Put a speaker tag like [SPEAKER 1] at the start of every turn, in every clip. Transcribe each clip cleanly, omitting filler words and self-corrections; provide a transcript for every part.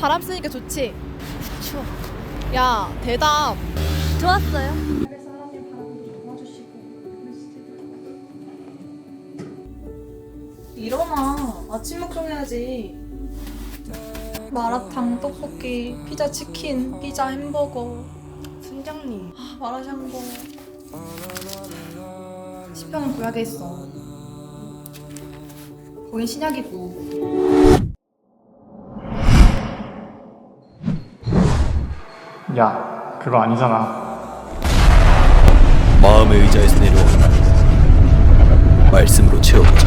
[SPEAKER 1] 바람 쐬니까 좋지? 추워. 야, 대답.
[SPEAKER 2] 좋았어요.
[SPEAKER 3] 일어나. 아침 먹정해야지. 마라탕, 떡볶이, 피자 치킨, 피자 햄버거,
[SPEAKER 1] 순장님.
[SPEAKER 3] 마라샹궈. 10편은 구약에 있어. 거긴 신약이고.
[SPEAKER 4] 야, 그거 아니잖아.
[SPEAKER 5] 마음의 의자에서 내려와 말씀으로 채워보자.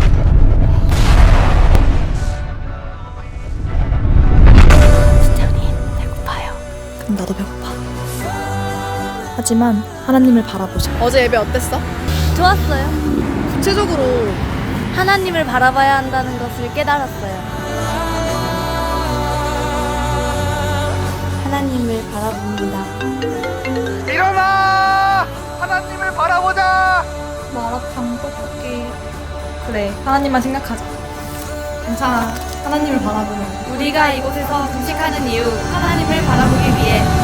[SPEAKER 3] 그럼 나도 배고파. 하지만 하나님을 바라보자.
[SPEAKER 1] 어제 예배 어땠어?
[SPEAKER 2] 좋았어요.
[SPEAKER 1] 구체적으로.
[SPEAKER 2] 하나님을 바라봐야 한다는 것을 깨달았어요. 하나님을 바라봅니다.
[SPEAKER 4] 일어나! 하나님을 바라보자!
[SPEAKER 3] 마라탕, 떡볶이. 그래, 하나님만 생각하자. 괜찮아. 하나님을 바라보면.
[SPEAKER 2] 우리가 이곳에서 금식하는 이유, 하나님을 바라보기 위해